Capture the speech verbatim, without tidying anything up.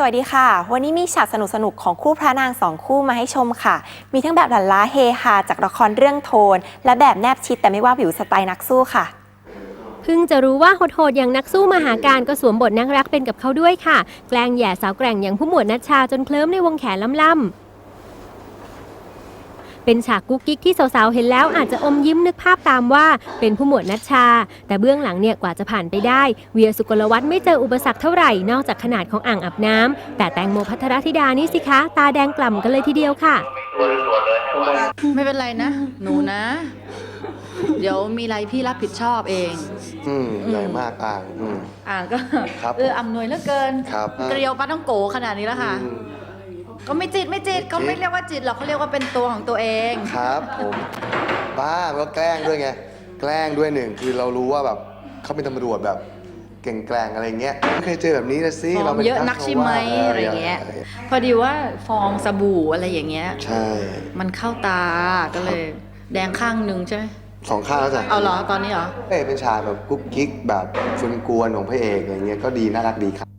วัสดีค่ะวันนี้มีฉากสนุกๆของคู่พระนางสองคู่มาให้ชมค่ะมีทั้งแบบหลั่นล้าเฮฮาจากละครเรื่องโทนและแบบแนบชิดแต่ไม่ว่าผิวสไตล์นักสู้ค่ะเพิ่งจะรู้ว่าโหดๆอย่างนักสู้มหาการก็สวมบทนักรักเป็นกับเขาด้วยค่ะแกล้งแย่สาวแกร่งอย่างผู้หมวดนัชชาจนเคลิ้มในวงแขนล่ำๆเป็นฉากกุ๊กกิ๊กที่สาวๆเห็นแล้วอาจจะอมยิ้มนึกภาพตามว่าเป็นผู้หมวดนัชชาแต่เบื้องหลังเนี่ยกว่าจะผ่านไปได้เวียสุกลวัฒน์ไม่เจออุปสรรคเท่าไหร่นอกจากขนาดของอ่างอาบน้ำแต่แตงโมพัทรธิดานี่สิคะตาแดงกล่ำกันเลยทีเดียวค่ะไม่เป็นไรนะ หนูนะ เดี๋ยวมีอะไรพี่รับผิดชอบเองอืมใหญ่มากอ่างอืมอ่างก็ครับเอออำนวยเหลือเกินครับเกลียวปลาต้องโกขนาดนี้แล้วค่ะอืมก็ไม่จิตไม่จิตเขาไม่เรียกว่าจิตหรอกเขาเรียกว่าเป็นตัวของตัวเองครับผมบ้ามันก็แกล้งด้วยไงแกล้งด้วยหนึ่งคือเรารู้ว่าแบบเขาเป็นตำรวจแบบเก่งแกล้งอะไรเงี้ยไม่เคยเจอแบบนี้นะสิฟองป็เยอะนักใช่ไหมอะไรเงี้ย พอดีว่าฟองสบู่อะไรอย่างเงี้ยใช่มันเข้าตาก็เลย แดงข้างหนึ่งใช่ไหมสองข้างแล้วจ้ะเอาเหรอตอนนี้เหรอเอ้ยเป็นฉากแบบกุ๊กกิ๊กแบบชวนกวนของพระเอกอะไรเงี้ยก็ดีน่ารักดีครับ